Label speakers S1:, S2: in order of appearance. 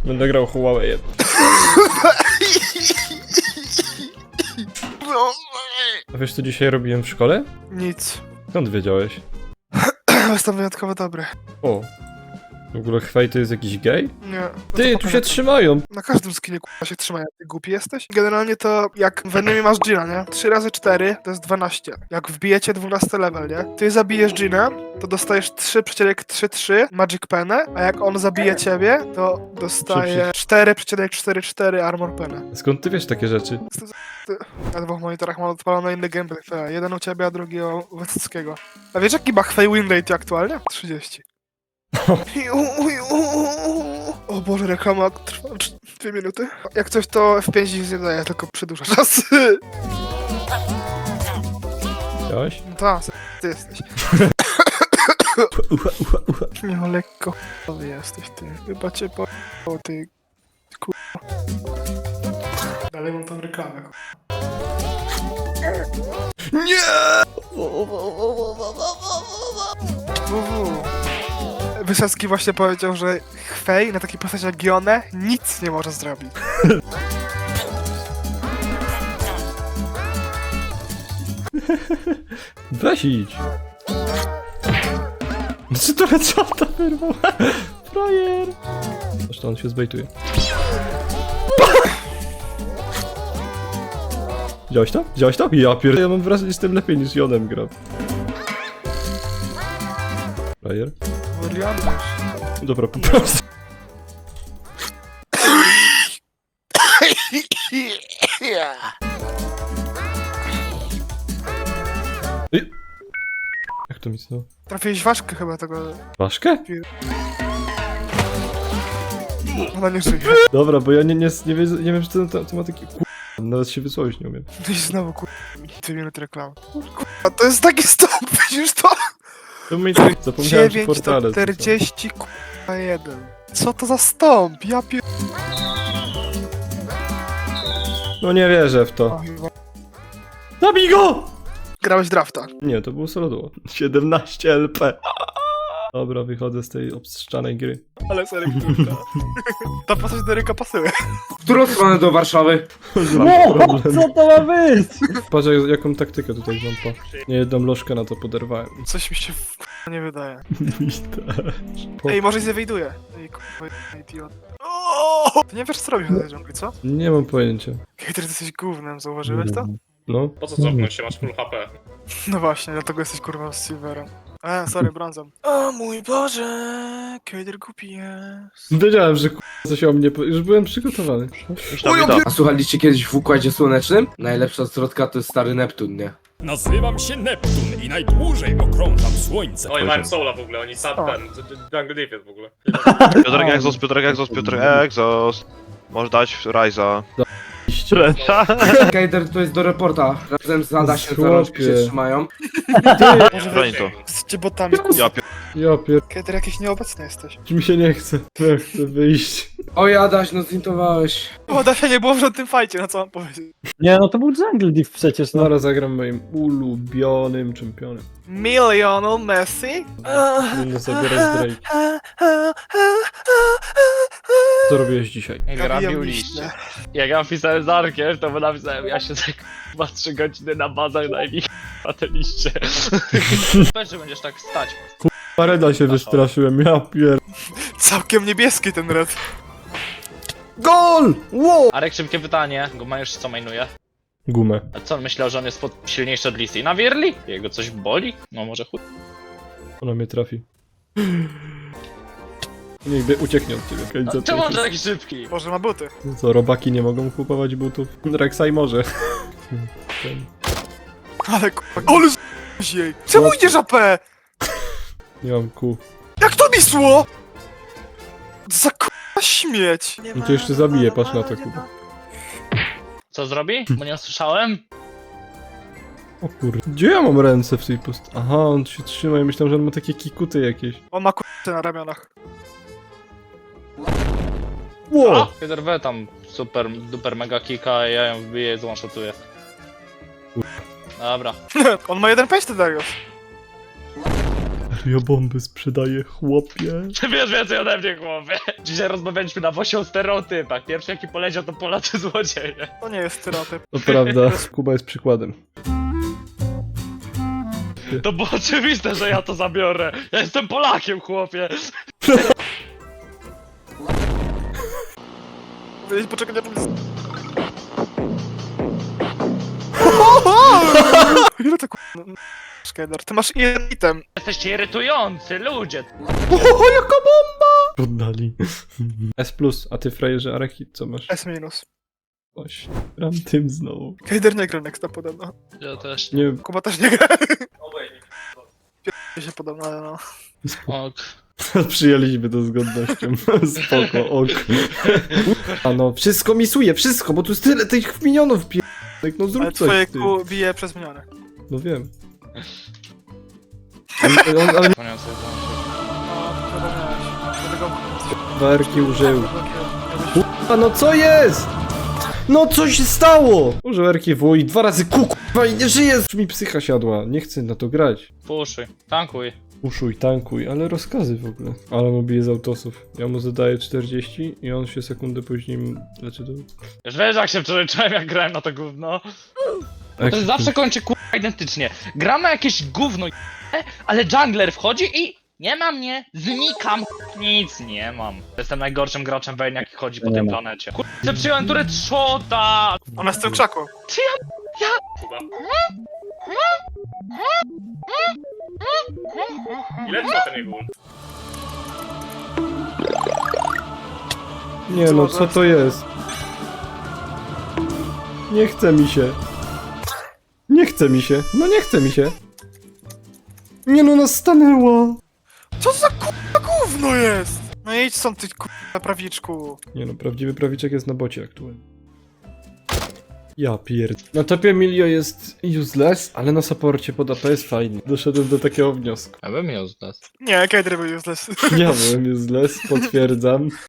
S1: Będę grał Huawei. A wiesz co dzisiaj robiłem w szkole?
S2: Nic.
S1: Skąd wiedziałeś?
S2: Jestem wyjątkowo dobry.
S1: O. W ogóle Hwej to jest jakiś gej?
S2: Nie.
S1: Ty, tu się trzymają!
S2: Na każdym skinie k***a się trzyma, jak ty głupi jesteś. Generalnie to jak w Venomie masz Gina, nie? 3 razy 4 to jest 12. Jak wbijecie 12 level, nie? Ty zabijesz Gina, to dostajesz 3,33 Magic Penę, a jak on zabije ciebie, to dostaje 4,44 Armor Penę.
S1: Skąd ty wiesz takie rzeczy?
S2: Na dwóch monitorach mam odpalony inny gameplay. Jeden u ciebie, a drugi u Wysockiego. A wiesz jaki ma Hwej win rate aktualnie? 30. O Boże, reklama trwa 2 minuty. Jak coś to F5 nic nie daje, tylko przedłuża czas.
S1: Widziałeś?
S2: No tak, ty jesteś. Miał lekko ch**owy jesteś ty. Chyba cię po ty k***a. Dalej mam tą reklamę.
S1: Nie!
S2: Wysocki właśnie powiedział, że Hwej na takiej postaci jak Gionę nic nie może zrobić.
S1: Weź idź! Czy to headshota wyrwał? Frajer! Zresztą on się zbejtuje. Widziałeś to? Widziałeś to? Ja ja mam wrażenie, że jestem lepiej niż Jonem gram. Frajer?
S2: William
S1: Dobra, po prostu. Ej. Jak to mi znowu?
S2: Trafiłeś ważkę chyba tego.
S1: Ważkę?
S2: Ona nie żyje.
S1: Dobra, bo ja nie wiem, czy to ma taki nawet się wysłowić nie umiem.
S2: No i znowu 2 minuty reklam. To jest taki stop, widzisz to?
S1: To mi zapomniałem, że
S2: 9
S1: portale.
S2: do 40 1. Co to za stąp? Ja pier...
S1: No nie wierzę w
S2: O,
S1: to.
S2: chyba.
S1: Zabij go!
S2: Grałeś drafta.
S1: Nie, to było solo duo. 17 LP. Dobra, wychodzę z tej obstrzanej gry.
S2: Ale serio, kurwa. Ta postać do rynka pasuje.
S3: W którą stronę do Warszawy?
S1: Co to ma być? Patrz jaką taktykę tutaj mam po. Nie jedną lożkę na to poderwałem.
S2: Coś mi się nie wydaje. Ej, może się wyjduje. Ej, kurwa, idiot. Ty nie wiesz co robisz na tej dżungli, co?
S1: Nie mam pojęcia.
S2: Hejter, ty jesteś gównem, zauważyłeś to?
S1: No.
S4: Po co cofnąć się, masz full HP?
S2: No właśnie, dlatego jesteś kurwa z Silverem. Sorry, brązem. O mój Boże, Hejter głupi jest.
S1: Wiedziałem, że coś o mnie... Już byłem przygotowany.
S3: A słuchaliście kiedyś w Układzie Słonecznym? Najlepsza zwrotka to jest stary Neptun, nie?
S5: Nazywam się Neptun i najdłużej okrążam słońce.
S4: Oni mają soula w ogóle, oni sad ten, Jungle Deep jest w ogóle.
S6: Piotrek Exos. Możesz dać Ryza.
S3: Kejder to jest do reporta. Razem z Adasiem za rączki się trzymają.
S6: Broń to.
S2: Jesteście botami, kurwa.
S1: Ja pier...
S2: Hejter, jakiś nieobecny jesteś.
S1: Mi się nie chce. Ja chcę wyjść.
S3: Oj Adaś, no zintowałeś.
S2: O, Dasia nie było w żadnym fajcie, no co mam powiedzieć.
S7: Nie, no to był Jungle Div przecież, no.
S1: Zaraz zagram moim ulubionym czempionem.
S2: Lionel Messi?
S1: Będę zabierać Drake. Co robiłeś dzisiaj?
S4: Grabił liście. Jak ja napisałem z Arkiem, to napisałem, ja się tak chyba 3 godziny na bazach najmniej na te liście. Weź, że będziesz tak stać.
S1: Pareda się wystraszyłem, ja pier...
S2: Całkiem niebieski ten red.
S1: GOL! Wow!
S4: Arek, szybkie pytanie, go ma już co mainuje.
S1: Gumę.
S4: A co, on myślał, że on jest silniejszy od Listy na Wierli? Jego coś boli? No może chuj.
S1: Ona mnie trafi. Nigdy ucieknie od ciebie.
S4: No, czemu on taki szybki?
S2: Boże, ma buty.
S1: Co, robaki nie mogą kupować butów? Rek'Sai może. Ten.
S2: Ale kurwa, ale z jej. Czemu idziesz AP?
S1: Nie mam kół.
S2: Jak to misło? Za kurwa śmieć.
S1: No to jeszcze zabiję, patrz na to, Kuba.
S4: Co zrobi? Bo nie usłyszałem?
S1: O kurde. Gdzie ja mam ręce w tej Aha, on się trzyma i myślałem, że on ma takie kikuty jakieś.
S2: On ma kurwa na ramionach.
S1: Wow!
S4: Peter W tam super, duper mega kika, a ja ją wbiję i zwanshotuję. Dobra.
S2: On ma jeden pęść, Darius.
S1: Ja bomby sprzedaję, chłopie.
S4: Ty wiesz więcej ode mnie, chłopie. Dzisiaj rozmawialiśmy na wosie o stereotypach. Pierwszy jaki poleciał to Polacy złodzieje.
S2: To nie jest stereotyp.
S1: To prawda, Kuba jest przykładem.
S4: To było oczywiste, że ja to zabiorę. Ja jestem Polakiem, chłopie.
S2: Poczekaj, nie ile to k***a? Skader, ty masz jeden item.
S4: Jesteście irytujący, ludzie.
S1: O, jaka bomba! Poddali. S+, a ty frajerze Araki, co masz?
S2: S minus.
S1: Oś, gram tym znowu.
S2: Kader nie gra nexta podobno.
S4: Ja też.
S1: Nie,
S2: Kuba też nie gra. Pierdolę się podobno, ale no.
S4: Ok.
S1: przyjęliśmy to z godnością. Spoko, ok. A no, wszystko misuje, wszystko, bo tu jest tyle tych minionów pierdolek, no
S2: Ale
S1: zrób
S2: twoje
S1: coś, ty.
S2: kół bije przez miniony.
S1: No wiem. Ale
S2: No, to miałeś. Dlatego...
S1: warki użył. A no co jest? No co się stało? Użył RKW i 2 razy kurwa i nie żyje! Już mi psycha siadła, nie chcę na to grać.
S4: Puszuj, tankuj.
S1: Uszuj, tankuj, ale rozkazy w ogóle. Ale mu bije z autosów. Ja mu zadaję 40 i on się sekundę później leczy do...
S4: Już wiesz jak się wczoraj czułem jak grałem na to gówno? To się zawsze kończy kurwa identycznie. Gramy jakieś gówno ale jungler wchodzi i nie ma mnie, znikam. Nic nie mam. Jestem najgorszym graczem Vayne jaki chodzi po
S7: Nie
S4: tym
S7: ma.
S4: planecie. Kurwa, przyjąłem turret shota!
S2: Ona jest w tym krzaku.
S4: Ile trwa ten jego ult?
S1: Nie no, co to jest? Nie chce mi się. Nie chce mi się. No nie chce mi się. Nie no, nas stanęła.
S2: Co za k***a gówno jest? No idź stąd ty k***a prawiczku.
S1: Nie no, prawdziwy prawiczek jest na bocie aktualnie. Ja pierd... Na topie Emilio jest useless, ale na supporcie pod AP jest fajny. Doszedłem do takiego wniosku.
S4: Ja bym miał z nas.
S2: Nie, Kader był useless.
S1: Ja byłem useless, potwierdzam.